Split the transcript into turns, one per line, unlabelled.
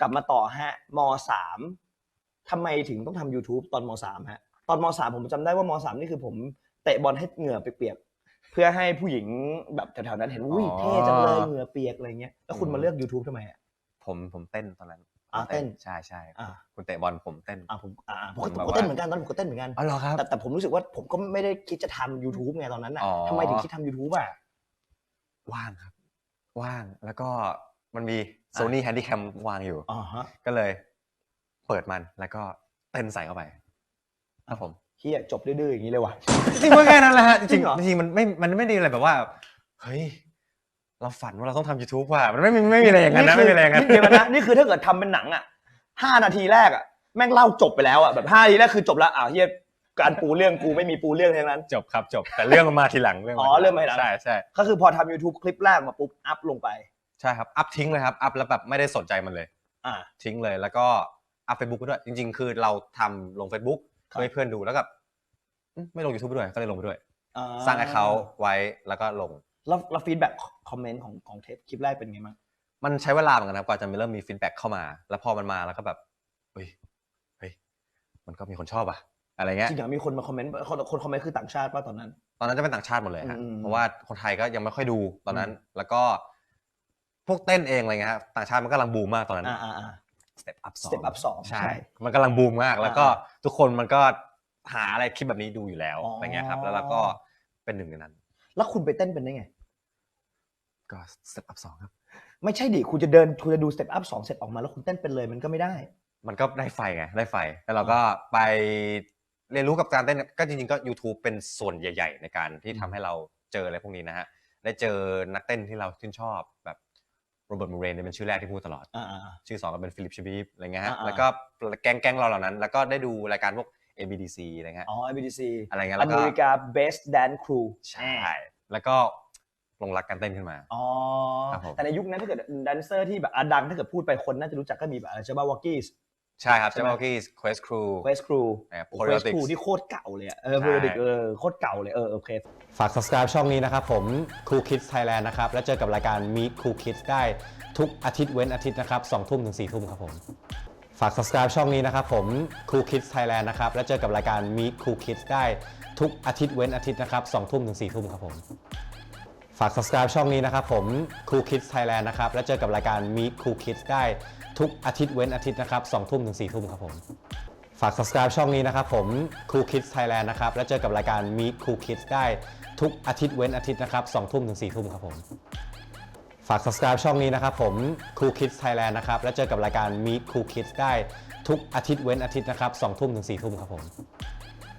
กลับมาต่อฮะม.3 ทำไมถึงต้องทำ YouTube ตอนม.3 ฮะตอนม.3 ผมจำได้ว่าม.3 นี่คือผมเตะบอลให้เหงื่อเปียกๆเพื่อให้ผู้หญิงแบบแถวๆนั้นเห็นอุ้ยเท่จังเลยเหงื่อเปียกอะไรเงี้ยแล้วคุณมาเลือก YouTube ทำไมอ่ะ
ผมเต้นตอนนั้น
เต้น
ใช่คุณเตะบอลผมเต้น
ผมก็เต้นเหมือนกันตอนผมก็เต้นเหมือนกัน
อ๋อเหรอครับ
แต่ผมรู้สึกว่าผมก็ไม่ได้คิดจะทำ YouTube ไงตอนนั้นอ่ะทำไมถึงคิดทำ YouTube อ่ะ
ว่างครับว่างแล้วก็มันมี Sony Handycam วางอยู่ก็เลยเปิดมันแล้วก็เต้นใส่เข้าไปครับผม
เฮียจบดื้อๆอย่างนี้เลยว่ะ
จริงว่าแค่นั้นแหละฮะจริงมันไม่ได้อะไรแบบว่าเฮ้ยเราฝันว่าเราต้องทำ YouTube ว่ะมันไม่มีอะไรอย่างนั้นนะไม่มีอะไรอย่างนั้น
เดี๋ยวนะนี่คือถ้าเกิดทำเป็นหนังอ่ะ5 นาทีแรกอ่ะแม่งเล่าจบไปแล้วอ่ะแบบ5 นาทีแรกคือจบแล้วเฮียการปูเรื่องกูไม่มีปูเรื่องทั้งนั้น
จบครับจบแต่เรื่องมันมาทีหลังเรื่อง
มาทีหลังใช่
ก็
คือพอทำ YouTube คลิปแรกมาปุ๊บอัพลงไป
ใช่ครับอัพทิ้งเลยครับอัพแล้วแบบไม่ได้สนใจมันเลยทิ้งเลยแล้วก็อัพ Facebook ไปด้วยจริงๆคือเราทำลง Facebook ให้เพื่อนดูแล้วกับไม่ลง YouTube ไปด้วยก็เลยลงไปด้วยสร้าง account ไว้แล้วก็ลง
แล้วฟีดแบ็กคอมเมนต์ของเทปคลิปแรกเป็นไงบ้าง
มันใช้เวลาเหมือนกันนะกว่าจะเริ่มมีฟีดแบ็กเข้ามาแล้วพอมันมาแล้วก็แบบเฮ้ยมันก็มีคนชอบอะไรเงี้ย
จริงๆมีคนมาคอมเมนต์คนคอมเมนต์คือต่างชาติป่ะตอนนั้น
จะเป็นต่างชาติหมดเลยฮะเพราะว่าคนไทยก็ยังไม่ค่อยดูตอนนั้นแล้วก็พวกเต้นเองอะไรเงี้ยต่างชาติมันกำลังบูมมากตอนนั้นStep Up 2ใช่มันกำลังบูมมากแล้วก็ทุกคนมันก็หาอะไรคลิปแบบนี้ดูอยู่แล้วอะไรเงี้ยครับแล้วเราก็เป็นหนึ่งในนั้น
แล้วคุณไปเต้นเป็นได้ไง
ก็ Step Up 2ครับ
ไม่ใช่ดิคุณจะดู Step Up 2เสร็จออกมาแล้วคุณเต้นเป็นเลยมันก็ไม่ได้
มันก็ได้ไฟไงได้ไฟแล้วเราก็ไปเรียนรู้กับการเต้นก็จริงๆก็ YouTube เป็นส่วนใหญ่ๆในการที่ทำให้เราเจออะไรพวกนี้นะฮะได้เจอนักเต้นที่เราชื่นชอบแบบโรเบิร์ตมูเรนเป็นชื่อแรกที่พูดตลอดชื่อ2ก็เป็นฟิลิปชิบีฟอะไรเงี้ยฮะแล้วก็แก๊งเราเหล่านั้นแล้วก็ได้ดูรายการพวก ABDC อะไรเงี้ย
ABDC
อะไรเงี้ยแล้วก็
America Best Dance Crew
ใช่แล้วก็ลงรักการเต้นขึ้นมา
แต่ในยุคนั้นถ้าเกิดแดนเซอร์ที่แบบดังถ้าเกิดพูดไปคนน่าจะรู้จักก็มีแบบอะไรเจ้าบ้าวอกี้
ใช่ครับเจ้าบ้าวอกี้Quest Crew
Quest Crew ที่โคตรเก่าเลยPeriodic โคตรเก่าเลยโอเค
ฝาก subscribe ช่องนี้นะครับผม Cool Kids Thailand นะครับแล้วเจอกับรายการ Meet Cool Kids ได้ทุกอาทิตย์เว้นอาทิตย์นะครับ20:00 ถึง 4:00 ครับผมฝาก subscribe ช่องนี้นะครับผม Cool Kids Thailand นะครับแล้วเจอกับรายการ Meet Cool Kids ได้ทุกอาทิตย์เว้นอาทิตย์นะครับ20:00 ถึง 4:00 ครับผมฝาก subscribe ช่องนี้นะครับผม Cool Kids Thailand นะครับแล้วเจอกับรายการ Meet Cool Kids ได้ทุกอาทิตย์เว้นอาทิตย์นะครับ20:00 ถึง 4:00 ครับผมฝาก subscribe ช่องนี้นะครับผม Cool Kids Thailand นะครับแล้วเจอกับรายการ Meet Cool Kids ได้ทุกอาทิตย์เว้นอาทิตย์นะครับ20:00 ถึง 4:00 ครับผมฝาก subscribe ช่องนี้นะครับผม Cool Kids Thailand นะครับแล้วเจอกับรายการ Meet Cool Kids ได้ทุกอาทิตย์เว้นอาทิตย์นะครับ20:00 ถึง 4:00 ครับผม